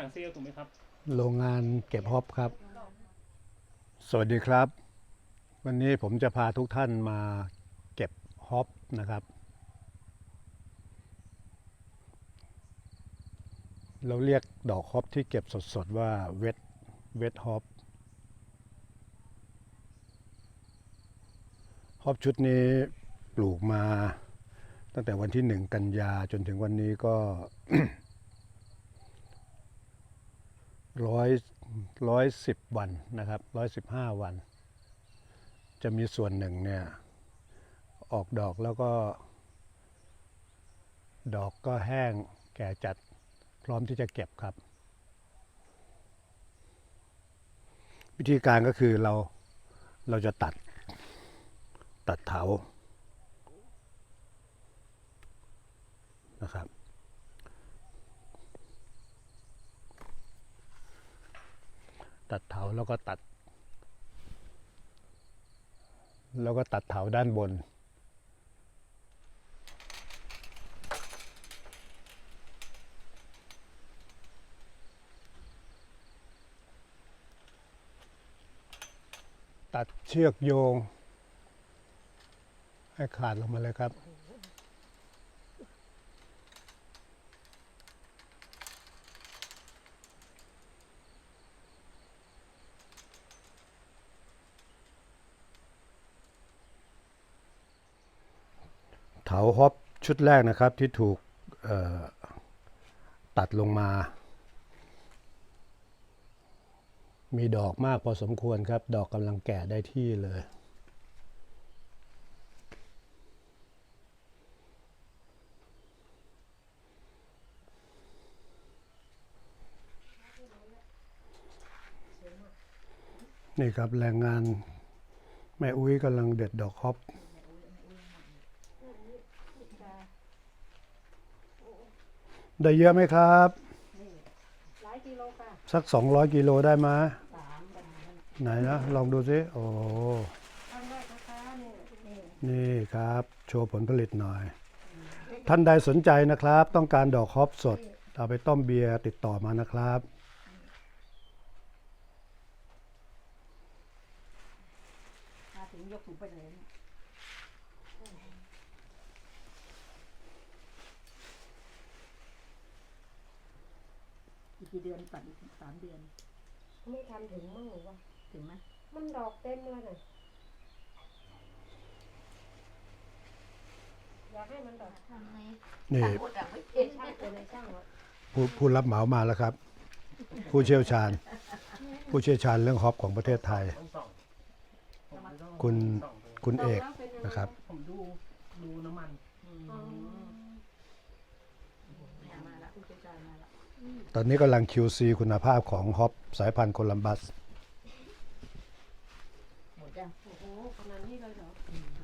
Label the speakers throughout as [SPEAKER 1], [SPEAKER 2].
[SPEAKER 1] างเซลล์ถูกไหมครับ
[SPEAKER 2] โรงงานเก็บฮอปครับสวัสดีครับวันนี้ผมจะพาทุกท่านมาเก็บฮอปนะครับเราเรียกดอกฮอปที่เก็บสดๆว่าเวทฮอปฮอปชุดนี้ปลูกมาตั้งแต่วันที่1 กันยาจนถึงวันนี้ก็ 110 วันนะครับ115 วันจะมีส่วนหนึ่งเนี่ยออกดอกแล้วก็ดอกก็แห้งแก่จัดพร้อมที่จะเก็บครับวิธีการก็คือเราจะตัดเถานะครับตัดเถาแล้วก็ตัดเถาด้านบนตัดเชือกโยงให้ขาดลงมาเลยครับเถาฮอปชุดแรกนะครับที่ถูกตัดลงมามีดอกมากพอสมควรครับดอกกำลังแก่ได้ที่เลยนี่ครับแรงงานแม่อุ้ยกำลังเด็ดดอกฮอปได้เยอะไหมครับ
[SPEAKER 3] หลายกิโลค่ะ
[SPEAKER 2] สัก200 กิโลได้ไหมไหนนะลองดูสิโอ้
[SPEAKER 3] ครั้งแรกนะคะ
[SPEAKER 2] นี่ครับโชว์ผลผลิตหน่อยท่านใดสนใจนะครับต้องการดอกฮอปสดเอาไปต้มเบียร์ติดต่อมานะครับ
[SPEAKER 3] มาถึงยกถุงไปเลยอีกกี่เดือนตัดอีก3 เดือน
[SPEAKER 4] ไม่ทันถึงมั่งหรือวะ
[SPEAKER 3] ถึงไหม
[SPEAKER 4] มันดอกเต็มเลยน่ะอยากให้มันดอก
[SPEAKER 3] ทำไง
[SPEAKER 2] นี่
[SPEAKER 4] ช่างตัวในช่างวะ
[SPEAKER 2] ผู้รับเหมามาแล้วครับผู้เชี่ยวชาญเรื่องฮอปของประเทศไทยคุณเอกนะครับ
[SPEAKER 1] ผมดูน้ำมัน
[SPEAKER 3] มาละผู้เชี่ยวชาญมาละ
[SPEAKER 2] ตอนนี้กำลัง QC คุณภาพของฮอปสายพันธุ์โคลัมบัส
[SPEAKER 3] หมดยัง
[SPEAKER 4] โอ้โหขนาดนี้เลยเหรอ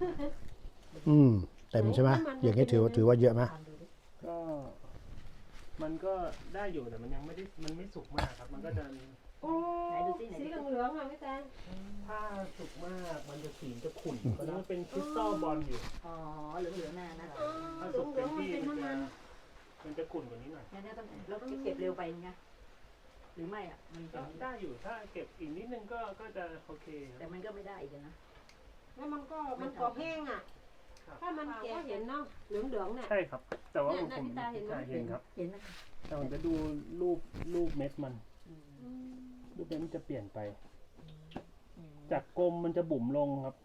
[SPEAKER 2] เต็มใช่ไหมอย่างนี้ถือว่าเยอะไหม
[SPEAKER 1] ก็มันก็ได้อยู่แต่มันยังมันไม่สุกมากครับมันก็จะ
[SPEAKER 4] โอ้สีเหลืองๆอ่ะพี่แตง
[SPEAKER 1] ถ้าสุกมากมันจะสีจะขุ่นเพราะมันเป็นคริสตัลบอลอยู่
[SPEAKER 3] อ๋อเหลืองๆน่ะนะ
[SPEAKER 1] ถ้าสุกเต็มที่มันจะขุ่นกว่านี้หน่อย
[SPEAKER 3] งั้นต้องแล้วเก็บเร็วไปไงหรือไม่อ่ะมัน
[SPEAKER 1] ก็ได้อยู่ถ้าเก็บอีกนิดนึงก็จะโอเค
[SPEAKER 3] แต่มันก็ไม่ได้อีกนะ
[SPEAKER 4] แล้วมันก็แห้งอ่ะถ้ามันแก่เห็นเนาะเหลืองๆเนี่ย
[SPEAKER 1] ใช่ครับแต่ว่าผมเห็นครับ
[SPEAKER 3] เห็นนะ
[SPEAKER 1] แต่ผมจะดูรูปเม็ดมันรูปเม็ดมันจะเปลี่ยนไปจากกลมมันจะบุ๋มลงครับ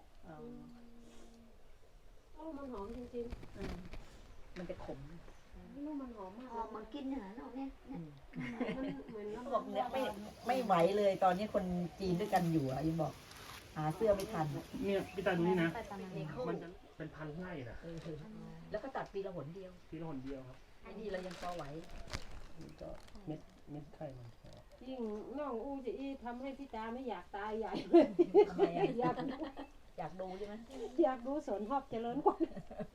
[SPEAKER 4] โอ้มันหอมจริง
[SPEAKER 3] ๆมันจะขม
[SPEAKER 4] ลูกมันหอมมาก
[SPEAKER 3] หอมมากินเหรอเราเนี่ย
[SPEAKER 4] มันเหมือน
[SPEAKER 3] เขาบอกเนี่ยไม่ไหวเลยตอนนี้คนจีนด้วยกันอยู่อ่ะยังบอกหาเสื้อไม่ทัน
[SPEAKER 1] เนี่ยพี่ตาดูนี่นะมันจะเป็นพันไร่นะ
[SPEAKER 3] แล้วก็ตัดปีละหนเดียว
[SPEAKER 1] ครับ
[SPEAKER 3] ไอ้นี่เรายังพอไหว
[SPEAKER 1] ก็เม็ดไข่มัน
[SPEAKER 4] ยิ่งน้องอู้จะทำให้พี่ตาไม่อยากตายใหญ่เลย
[SPEAKER 3] ทำไมอยากดูใช่ไหม
[SPEAKER 4] อยากดูสวนฮอปเจริญกว่า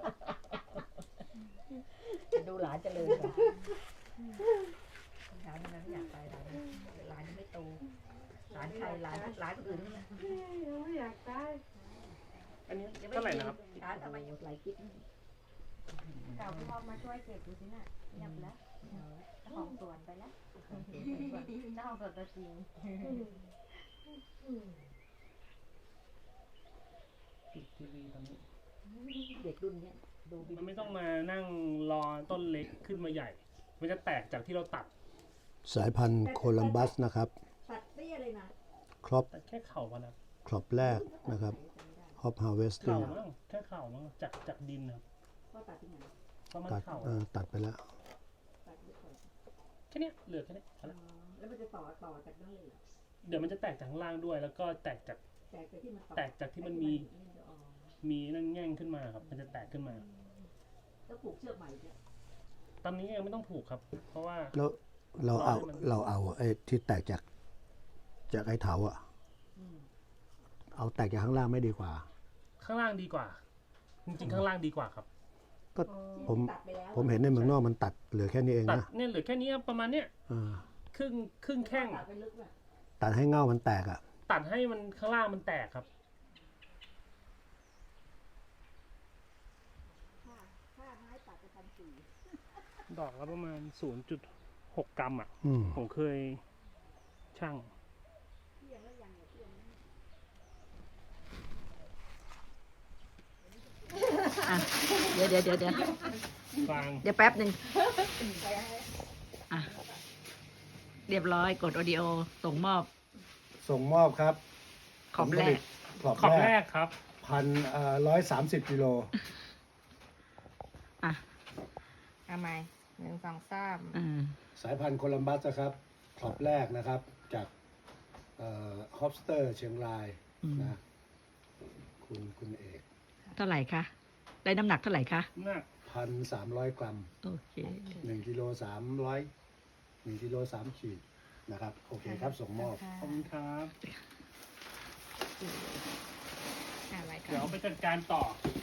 [SPEAKER 3] จะดูหลานเจริญกว่าหลานมันไม่อยากตายหลานยังไม่โตหลานใครหลานคนอื่น
[SPEAKER 4] ไม่อยากตาย
[SPEAKER 1] อันนี้เท่าไหร่นะครับ
[SPEAKER 3] หลานทำไมหลายคิด
[SPEAKER 4] เก่าพี่พ่อมาช่วยเก็บดูสิน่ะเงียบแล้ว
[SPEAKER 3] เจ้าของสวนไปแล้วเจ้าของสวนตัวจริง
[SPEAKER 1] ปิดทีวีตอนนี้
[SPEAKER 3] เด็กรุ่นเนี้ยดู
[SPEAKER 1] มันไม่ต้องมานั่งรอต้นเล็กขึ้นมาใหญ่ มันจะแตกจากที่เราตัด
[SPEAKER 2] สายพันธุ์โคลัมบัสนะครับ
[SPEAKER 3] ตัดเตี้ยเลยนะ
[SPEAKER 2] ครอบ
[SPEAKER 1] แต่แค่เข่ามันนะ
[SPEAKER 2] ครอบแรกนะครับฮอปฮาร์เวสติ้
[SPEAKER 1] เข่าง มั้งแค่เข่ามั้งจากดินครับ
[SPEAKER 3] ก็ตัดที่ไหน
[SPEAKER 1] ประมาณ
[SPEAKER 2] ตัด
[SPEAKER 1] เข่า
[SPEAKER 2] ตัดไปแล้ว
[SPEAKER 3] ตัดที่ก่อน
[SPEAKER 1] แค่เนี้ยเหลือแค่เนี้ยพอ
[SPEAKER 3] อ๋อ
[SPEAKER 1] ละ
[SPEAKER 3] แล้วมันจะต่อจากนั่นเลยเหรอ
[SPEAKER 1] เดี๋ยวมันจะแตกจากข้างล่างด้วย แล้วก็แตกจาก
[SPEAKER 3] แต่ที่มันต่อ
[SPEAKER 1] แตกจากที่มันมี
[SPEAKER 3] อ๋อ
[SPEAKER 1] มีนั่นแง่งขึ้นมาครับ มันจะแตกขึ้นมา
[SPEAKER 3] แล้วปลูกเชือกใหม่เนี่ย
[SPEAKER 1] ตอนนี้ยังไม่ต้องผูกครับ เพราะว่า
[SPEAKER 2] แล้วเราเอาไอ้ที่แตกจากไอ้เถาอะ
[SPEAKER 3] อืม
[SPEAKER 2] เอาแตกจากข้างล่างไม่ดีกว่า
[SPEAKER 1] ข้างล่างดีกว่า จริงๆข้างล่างดีกว่าครับ
[SPEAKER 2] ก็ผม
[SPEAKER 3] ตัดไปแล้ว
[SPEAKER 2] ผมเห็นในเมืองนอกมันตัดเหลือแค่นี้เอง
[SPEAKER 1] ตัด
[SPEAKER 2] นะ
[SPEAKER 1] เนี่ยเหลือแค่นี้ครับประมาณเนี้ย
[SPEAKER 2] อ่า
[SPEAKER 1] ครึ่งแข้ง
[SPEAKER 3] ตัดไปลึกน่ะ
[SPEAKER 2] ตัดให้เง่ามันแตกอะ
[SPEAKER 1] ตัดให้มันข้างล่างมันแตกครับ
[SPEAKER 3] ค่าไม้ตัดไป1,400
[SPEAKER 1] ดอกละประมาณ 0.6 กรัมอ่ะ
[SPEAKER 2] อืม
[SPEAKER 1] ผมเคยช่าง
[SPEAKER 3] เที่ยงแล้วยังเนี่ยเที่ยงแล้วเดี๋ยว
[SPEAKER 1] ฟาง
[SPEAKER 3] เดี๋ยวแป๊บหนึ่งอ่ะเรียบร้อยกดออดิโอส่งมอบ
[SPEAKER 2] ส่งมอบครับ
[SPEAKER 3] ขอบแรก
[SPEAKER 2] ขอบ
[SPEAKER 1] ขอบ
[SPEAKER 2] แร
[SPEAKER 1] แร
[SPEAKER 2] ก
[SPEAKER 1] กครับ
[SPEAKER 2] 130 กิโล
[SPEAKER 3] อ่ะ
[SPEAKER 4] ทำไม1 2 3
[SPEAKER 3] อืม
[SPEAKER 2] สายพันธุ์โคลัมบัสนะครับขอบแรกนะครับ จากฮอปสเตอร์เชียงราย
[SPEAKER 3] อืม
[SPEAKER 2] นะคุณเอก
[SPEAKER 3] เท่าไหร่คะ ได้น้ำหนักเท่าไหร่คะ
[SPEAKER 1] หนัก
[SPEAKER 2] 1,300 กรัม
[SPEAKER 3] โอเค
[SPEAKER 2] 1 กิโล300 1 กิโล3 ขีดนะครับ โอเคครับ ส่งมอบ
[SPEAKER 1] ขอบคุณครับ
[SPEAKER 4] อะไรกั
[SPEAKER 1] เดี๋ย
[SPEAKER 4] น
[SPEAKER 1] วไปจัดการต่อ